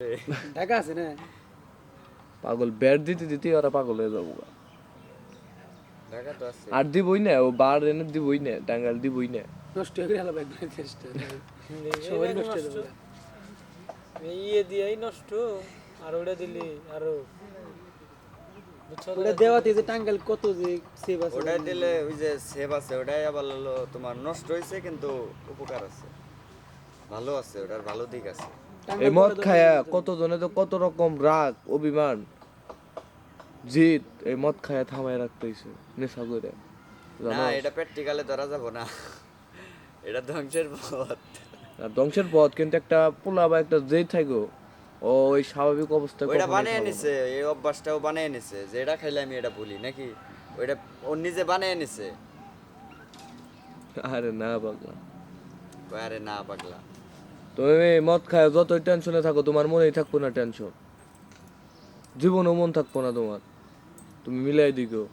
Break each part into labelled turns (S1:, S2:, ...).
S1: ঢাকা আছে না
S2: পাগল ব্যাট দিতে দিতে ওরা পাগল হয়ে যাবো
S3: ঢাকা তো আছে
S2: আর দিবই না ও বার এনে দিবই না টাঙ্গাল দিবই না
S1: নষ্ট হয়ে গেল একবার চেষ্টা সবাই নষ্ট হয়ে যাবে
S4: ইয়ে দিয়েই নষ্ট আর ওটা দিলি আরো
S1: ওটা দেওয়াতে যে টাঙ্গাল কত যে সেভ আছে
S3: ওটাই দিলে ওই যে সেভ আছে ওটাই আবার হলো তোমার নষ্ট হয়েছে কিন্তু উপকার আছে ভালো আছে ওটার ভালো দিক আছে
S2: এই মদ খায়া কত জনে তো কত রকম রাগ অভিমান জিত এই মদ খায়া থামায় রাখতেছে নেশা করে
S3: না এটা প্র্যাকটিক্যালে ধরা যাব না এটা ধ্বংসের পথ
S2: আর ধ্বংসের পথ কিন্তু একটা পোলা বা একটা জেদ থাকো ও ওই স্বাভাবিক অবস্থায়
S3: ওইটা
S2: কখনোই
S3: বানিয়ে
S2: খাবো না।
S3: নিছে এই অভ্যাসটাও বানিয়ে নিছে যে এটা খাইলে আমি এটা ভুলি নাকি ওইটা ওর নিজে বানিয়ে নিছে
S2: আরে না পাগলা
S3: আরে না পাগলা
S2: তুমি মদ খায় যতই টেনশনে থাকো তোমার মনেই থাকবো না টেনশন জীবনও মন থাকবো না তোমার তুমি মিলাই দিকো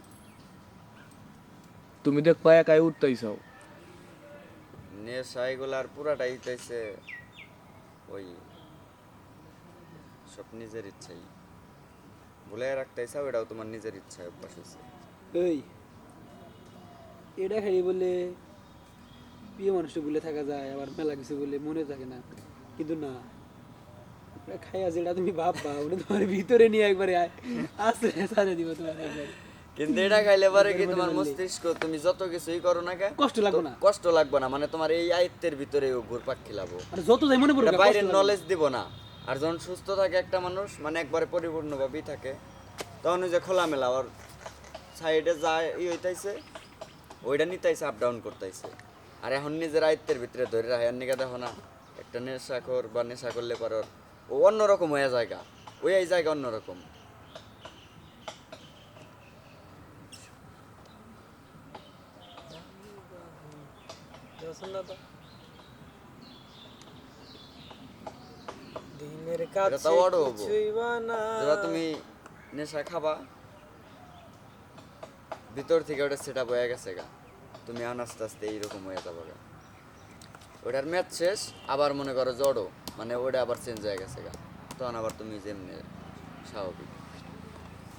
S2: তুমি দেখবা একাই উঠতেই চাও
S3: নেশা এগুলার পুরাটাই হইতেছে ওই সব নিজের ইচ্ছাই ভুলে রাখতে চাও এটাও তোমার নিজের ইচ্ছায় অভ্যাস হয়েছে
S1: এই এটা খাই বলে প্রিয় মানুষটা বলে থাকা যায় আবার মেলা কিছু বলে মনে থাকে না কিন্তু না ওটা খাইয়া যেটা তুমি ভাববা ওটা তোমার ভিতরে নিয়ে একবারে আসতে সাজা দিব তোমার একবারে
S3: কিন্তু এটা খাইলে পারে কি তোমার মস্তিষ্ক তুমি যত কিছুই করো না কেন
S1: কষ্ট লাগবে না
S3: কষ্ট লাগবে না মানে তোমার এই আয়ত্তের ভিতরে ঘুরপাক খিলাবো
S1: আর যত যাই মনে পড়বে
S3: বাইরের নলেজ দিব না আর যখন সুস্থ থাকে একটা মানুষ মানে একবারে পরিপূর্ণভাবেই থাকে তখন ওই যে খোলামেলা ওর সাইডে যায় হইতাইছে ওইটা নিতাইছে আপ ডাউন করতেছে আর এখন নিজের আয়ত্তের ভিতরে ধরে রাখে আর নিকা দেখো না একটা নেশাখোর বা নেশা করলে পর ও অন্যরকম হয়ে জায়গা ওই এই জায়গা অন্যরকম
S4: দিনের
S3: এটা
S4: কাছে
S3: তো বড় হবো
S4: কিছুই বানা
S3: যেটা তুমি নেশা খাবা ভিতর থেকে ওটা সেট আপ হয়ে গেছে গা তুমি এখন আস্তে আস্তে এইরকম হয়ে যাবো গা ওটার ম্যাচ শেষ আবার মনে করো জড়ো মানে ওটা আবার চেঞ্জ হয়ে গেছে গা তখন আবার তুমি যেমনি স্বাভাবিক